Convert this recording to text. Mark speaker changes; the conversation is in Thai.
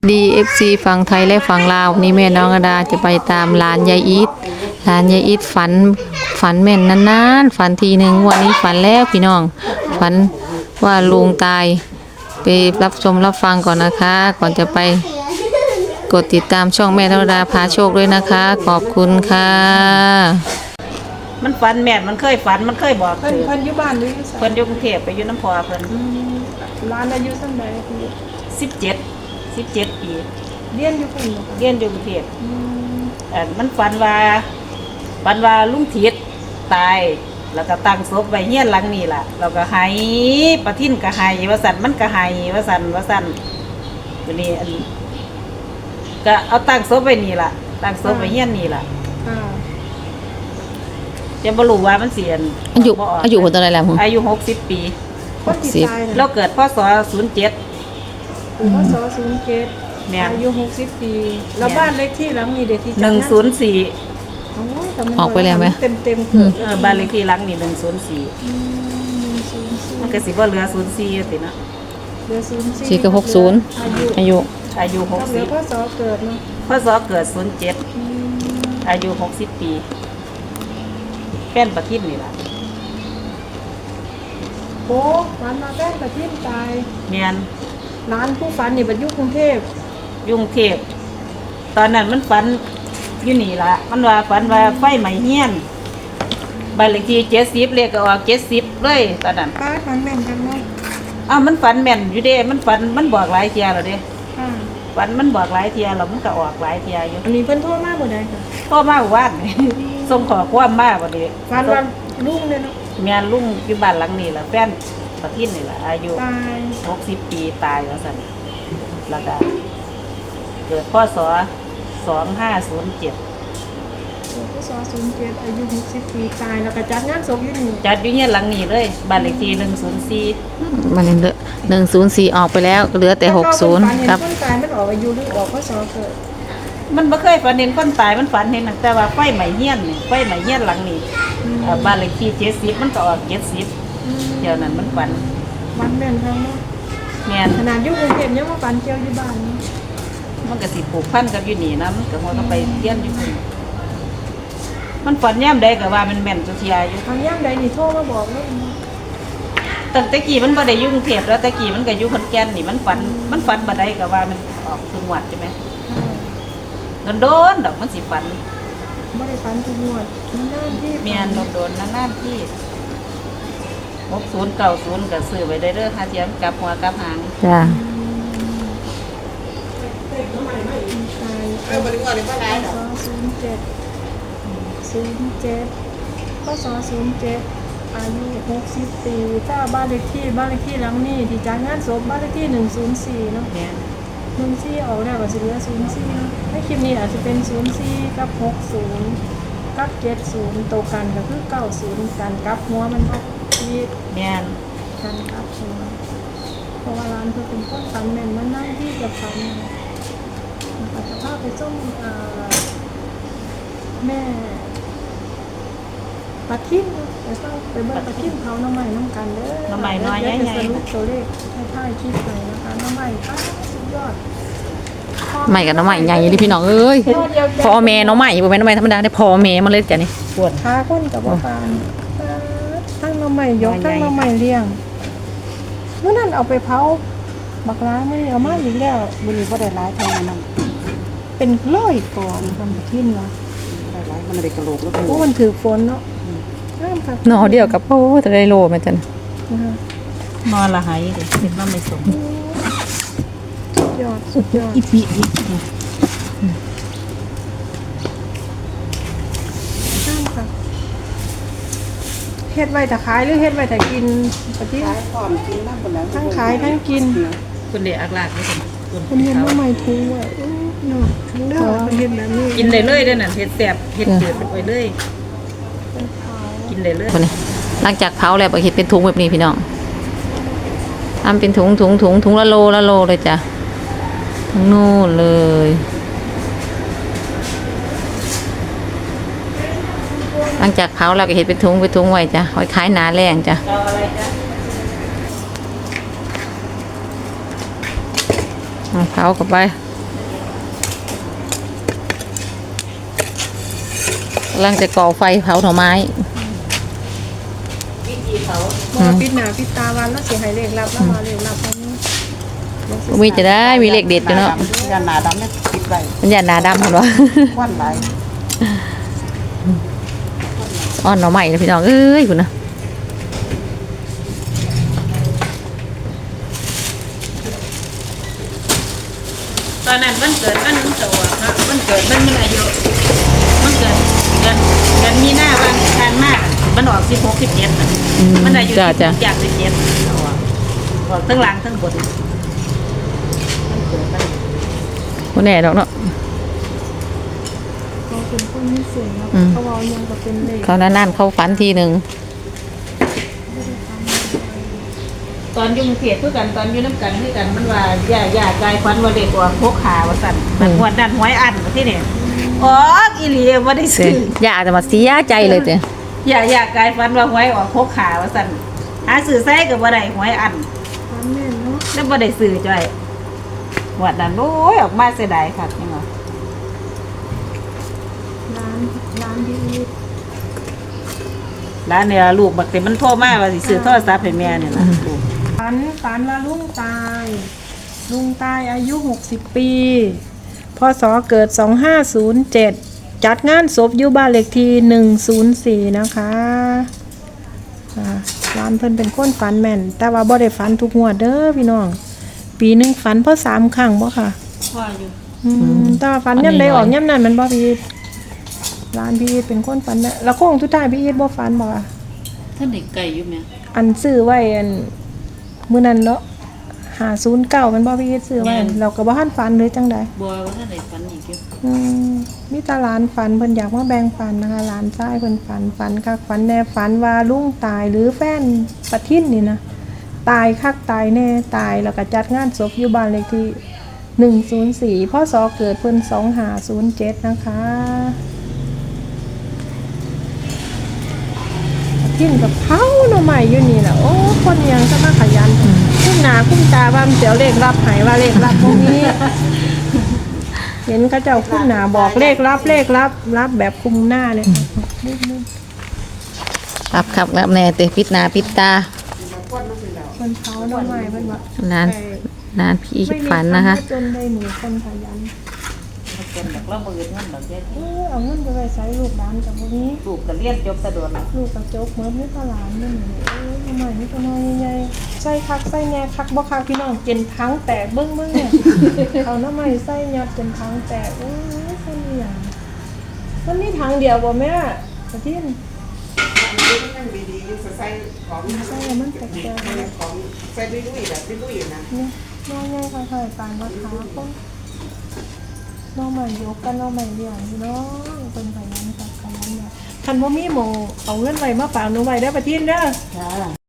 Speaker 1: DFC ฝั่งไทยและฝั่งลาวนี่แม่น้องอดาจะไปตามร้านยายอีทร้านยายอีทฝันแม่นนานๆฝันทีหนึ่งวันนี้ฝันแล้วพี่น้องฝันว่าลุงตายไปรับชมรับฟังก่อนนะคะ ก่อนจะไปกดติดตามช่องแม่น้องอดาพาโชคด้วยนะคะขอบคุณค่ะ
Speaker 2: มันฝันแม่นมันเคยฝันมันเคยบอก
Speaker 3: เพิ่นอยู่บ้านหรืออยู่ไส
Speaker 2: เพิ่นอยู่กรุงเทพไปอยู่น้ำพอเพิ่น
Speaker 3: ร้านอายุซั่นใดพี่
Speaker 2: 17ปี
Speaker 3: เรียนอยู่พุ่นบ่คะ
Speaker 2: เรียนอยู่กรุงเทพมันฝันว่าลุงทิศตายแล้วก็ตั้งศพไว้เฮียนหลังนี่ล่ะเราก็ให้ประทินก็ให้ว่าสั่นมันก็ให้ว่าสั่นวันนี้ก็เอาตั้งศพไว้นี่ล่ะตั้งศพไว้เฮียนนี่ล่ะ
Speaker 3: ค่ะ
Speaker 2: จะบ่รู้ว่ามันเสียน
Speaker 1: อายุคนเท่าไหร่แล้วผม
Speaker 2: อายุ60ปี
Speaker 3: คนที่ตาย
Speaker 2: เรา
Speaker 3: น่ะ
Speaker 2: เกิดพศ07
Speaker 3: พศ07
Speaker 2: แม่น
Speaker 3: อายุ60ปีแล้วบ้านเลขที่หลังนี้เด็กที่จัดงาน
Speaker 2: 104
Speaker 3: โอ้ยแต่มัน
Speaker 1: ออกไปแล้วไหม
Speaker 3: เต็มๆเกิด
Speaker 2: บ้านเลขที่หลังนี่104มันก็สิบ่เหลือ04อยู่ติเนาะ
Speaker 3: เหลือ04
Speaker 1: สี่กับ60อายุ
Speaker 2: อายุ
Speaker 3: เหลือพศเกิดเนาะ
Speaker 2: 60พศเกิด07อายุ60ปีแป้นประทินนี่ล่ะ
Speaker 3: โอ้วันมาแก้ประทินตาย
Speaker 2: แม่น
Speaker 3: ร้านผู้ฝันนี่บัดอยู่กรุงเทพ
Speaker 2: ยุ่งเทพตอนนั้นมันฝันอยู่นี่ล่ะมันว่าฝันว่าไฟไหม้เฮียนบ้านเลขที่70เลขก็ออก70เลยตอนนั้น
Speaker 3: ป้าฝันแม่นกันเนาะ
Speaker 2: มันฝันแม่นอยู่เด้มันฝันมันบอกหลายเที่ยแล้วเด้
Speaker 3: ค่ะ
Speaker 2: ฝันมันบอกหลายเที่ยแล้วมันก็ออกหลายเที่ยอยู่
Speaker 3: อันนี้เพิ่นโทรมาบ่ได้ค่ะ
Speaker 2: พ่อมาว่านส่งขอความมาบ่ดี
Speaker 3: ฝันว่าลุงเลยเนาะ
Speaker 2: แม่นลุงอยู่บ้านหลังนี้ล่ะแฟนประทินนี่ล่ะอายุ
Speaker 3: ตาย
Speaker 2: 60ปีตายว่าซั่นแล้วก็เกิดพศ2507
Speaker 3: พศ07อายุ60ปีตายแล้วก็จัดงานศพอยู่นี่
Speaker 2: จัดอยู่เฮียนหลังนี้เลยบ้านเลขที่104
Speaker 1: มันเหลือ104ออกไปแล้วเหลือแต่60ครับ
Speaker 3: คนตายมันออกอายุหรือออกพศเกิด
Speaker 2: มันบ่เคยฝันเห็นคนตายมันฝันเห็นตั้งแต่ว่าไฟไหม้เฮียนนี่ไฟไหม้เฮียนหลังนี้บ้านเลขที่70มันก็ออก70เดี๋ยวนั้นมันฝัน
Speaker 3: วันแม่นทางเนาะ
Speaker 2: แม่น
Speaker 3: ขนาดอยู่กรุงเทพยังมาฝันเกี่ยวอยู่บ้านเนาะ
Speaker 2: มันก็สิผูกพันกับอยู่นี่นะมันก็ฮอดก็ไปเรียนอยู่พุ่นมันฝันยามใดก็ว่ามันแม่นสุเทียอยู่
Speaker 3: ทางย่างใดนี่โทรมาบอกเลย
Speaker 2: ตั้งแต่กี้มันบ่ได้อยู่กรุงเทพแล้วแต่กี้มันก็อยู่ขอนแก่นนี่มันฝันบ่ได้ก็ว่ามันออกจังหวัดใช่ไหมโดนๆดอกมันสิฝัน
Speaker 3: บ่ได้ฝันทุกงวดมันนานที่
Speaker 2: แม่นโดนๆนานๆที่60 90ก็ซื้อไว้ได้เด้อหาเทียมกลับหัวกลับหาง
Speaker 1: จ้า
Speaker 3: ตายพศ07พศ07อายุ60ปีถ้าบ้านเลขที่หลังนี้ที่จัดงานศพบ้านเลขที่104เนาะ
Speaker 2: แม่น
Speaker 3: 04ออกแล้วก็สิเหลือ04เนาะในคลิปนี้อาจจะเป็น04กับ60กับ70ตัวกันก็คือ90กันกับหัวมันก็ที่
Speaker 2: แม่น
Speaker 3: กันกับหัวเพราะว่าร้านเพิ่นเป็นคนฝันแม่นมันนั่งที่จะฝันอาจจะพาไปส่งแม่ปลาทิมไปเบิ่งปลาทิมเขาน้ำใหม่น้ำกันเด้อ
Speaker 2: น้ำใหม่น้อยใหญ่
Speaker 3: เดี๋วจะสรุปตัวเลขให้ท้ายคลิปไปนะคะน้ำใหม่ป้าสุดยอด
Speaker 1: ใหม่กับน้องใหม่ใหญ่เลยพี่น้องเอ้ยพ่อแม่น้องใหม่บ่แม่นน้องใหม่ธรรมดาได้พ่อแม่มันเลยจ้ะนี่
Speaker 2: ปวด
Speaker 3: ขาคนกับบ่ปานทั้งน้ำใหม่ยกทั้งน้ำใหม่เลี้ยงเมื่อนั้นเอาไปเผาบักร้ายไม่เอามาอีกแล้ว
Speaker 4: บุรีก็ได้ร้ายเท่านั้น
Speaker 3: เป็นร้อยก่อนทำปลาทิมเนาะ
Speaker 4: ได้ร้ายมันได้กระโหลกแล้วก็
Speaker 3: โอ้มันถือฝนเนาะน้ำค่ะ
Speaker 1: หนอเดียวกับโอ้จะได้โลแม่จัน
Speaker 3: นะคะ
Speaker 2: นอนละหายเด้เห็นว่าไม่สม
Speaker 3: สุดยอดสุดยอด
Speaker 2: อีปีอี
Speaker 3: น้ำค่ะเฮ็ดไว้แต่ขายหรือเฮ็ดไว้แต่กินปะทิ
Speaker 4: ขายก่อนกินน้ำบนนั้น
Speaker 3: ทั้งขายทั้งกิน
Speaker 2: คุณเดอักลากนี่คุณ
Speaker 3: คุณเห็นว่าไม่ทูอ่ะเนาะทั้งเด้อเฮ็ดแบบนี้
Speaker 2: กินได้เลยเด้อนั่นเฮ็ดแซ่บเฮ็ดจืดไปเลย
Speaker 3: เป็นขาว
Speaker 2: กินได้เลย
Speaker 1: คนนี้หลังจากเผาแล้วก็เฮ็ดเป็นถุงแบบนี้พี่น้องทำเป็นถุงละโลเลยจ้ะทั้งนู่นเลยหลังจากเผาแล้วก็เฮ็ดเป็นถุงไว้จ้ะไว้ขายหนาแรงจ้ะ
Speaker 2: เอาอะไรจ๊ะ
Speaker 1: เอาเผาเข้าไปกำลังจะก่อไฟเผาหน่อไม้
Speaker 2: วิธีเขา
Speaker 3: บ่ปิดหน้าปิดตาวันแล้วสิให้เลขลับแล้วมาเลขลับตรงนี้
Speaker 1: มีจะได้มีเลขเด็ดอยู่เนาะ
Speaker 4: ยาหนาดำเนี่ยปิดไว้
Speaker 1: มันอย่าหนาดำเห็นวะ
Speaker 4: ควันไหล
Speaker 1: อ้อนหน่อไม้นะพี่น้องเอ้ยคุณนะ
Speaker 2: ตอนนั้นมันเกิดมันโตครับมันเกิดมันอายุมันเกิดเดือนมีหน้าวันทานมากมันออก16 17น่ะมันอายุ
Speaker 1: จ้าจ้า
Speaker 2: จาก17เอาออกทั้งหลังทั้งบนมันเกิดมัน
Speaker 1: คนแน่ดอกเนาะ
Speaker 3: เขาเป็นคนมีเสียงเนาะ
Speaker 1: อืม
Speaker 3: เขาเว้ายังก็เป็นเลข
Speaker 1: เขานั่นเขาฝันทีหนึ่ง
Speaker 2: ตอนอยุ่กรุงเทพคือกันตอนอยู่น้ำกันคือกันมันว่าอย่ากายควันว่าเด็กว่าพกขาว่าสั่นมันหวดดันหวยอันที่นี่อ๋ออีหลีบ่ได้ซื้อ
Speaker 1: ย่าจะมาเสียใจเลยเจ้
Speaker 2: อย่ากายฟันว่าหวยออกพกขาว่าสั่นหาซื้อใส่ก็บ่ได้หวยอัน
Speaker 3: ความแม่นเนาะ
Speaker 2: แล้วบ่ได้ซื้อจ้อยหวดนั้นโอ้ยออกมาเสียดายค่ะนี่ว่า
Speaker 3: ร้านดี
Speaker 2: ร้านเนี่ยลูกบักแต่มันโทรมาว่าสิซื้อโทรศัพท์ให้แม่เนี่ยนะลูก
Speaker 3: ฝันว่าลุงตายอายุ60 ปีพศเกิด 2507 จัดงานศพอยู่บ้านเลขที่104นะคะร้านเพิ่นเป็นคนฝันแม่น แต่ว่าบ่ได้ฝันทุกงวดเด้อพี่น้อง ปีหนึงฝันเพราะ3ครั้งบ่ค่ะ
Speaker 2: พ่ออยู่
Speaker 3: แต่ว่าฝันย่ำใดออกย่ำนั้นมันบ่พี่อีทร้านพี่อีทเป็นคนฝันแม่แล้วโค้งสุดท้ายพี่อีทบ่ฝันบ่อะ
Speaker 2: ท่านได้ไก่อยู่แม่
Speaker 3: อันซื้อไว้อันมื้อนั้นเนาะ509มันบ่พี่อีทซื้อไว้เราก็บ่ทันฝันหรือจังใด
Speaker 2: บัวว่าท่านได้ฝันอีกอยู่
Speaker 3: มีแตาหลานฝันเพิ่นอยากมาแบ่งฝันนะคะหลานชายเพิ่นฝันคักฝันแน่ฝันว่าลุงตายหรือแฟนปะทินนี่นะตายคักตายแน่ตายแล้วก็จัดงานศพอยู่บ้านเลขที่104พศเกิดเพิ่น2507นะคะปะทินกับเผาหน่อใหม่อยู่นี่ล่ะโอ้คนยังจะมาขยันคุ้มหน้าคุ้มตาว่ามันเสียวเลขรับให้ว่าเลขรับบ่มี เห็นเขาเจ้าคุ้มหนาบอกเลขรับแบบคุมหน้าเลย
Speaker 1: ครับครับแล้วแน่เตะปิดหนาปิดตา
Speaker 3: คนเขาหน่อไม้เป็นว่า
Speaker 1: ร้านพี่ฝันนะคะ
Speaker 3: จนได้หนูคนขยัน
Speaker 2: มันเป็นแบบเราบ่เงินเงินดอกเยอะ
Speaker 3: เอาเงินไปไว้ใช้ลูกร้านกับพวกนี้
Speaker 2: ลูกก็เรียนจบสะดวก
Speaker 3: ลูกกระจกเหมือนนี่ตลาดนี่หนูทำไมนี่ตัวน้อยใหญ่ใส่คักใส่แง่คักบ่คักพี่น้องเจนทั้งแตกเบิ้งเนี่ยเอาหน้ำไม้ใส่ยัดจนทั้งแตกโอ้ยใส่อย่างมันมีทางเดียวบ่แม่กระทิ้น
Speaker 4: นั่งดีๆใส่ของ
Speaker 3: ใส่แล้วมันแตก
Speaker 4: ของใส่ดุยๆแบบดุยๆนะ
Speaker 3: เนี่ยน้องยังค่อยๆปานมาขาคนน้องใหม่ยกกันน้องใหม่เดียวพี่น้องเป็นขยันกับขยันเนี่ยคันว่ามีหมองเอาเงินไว้มาฝากหนูไว้ได้อประทินเด้อ
Speaker 2: จ้า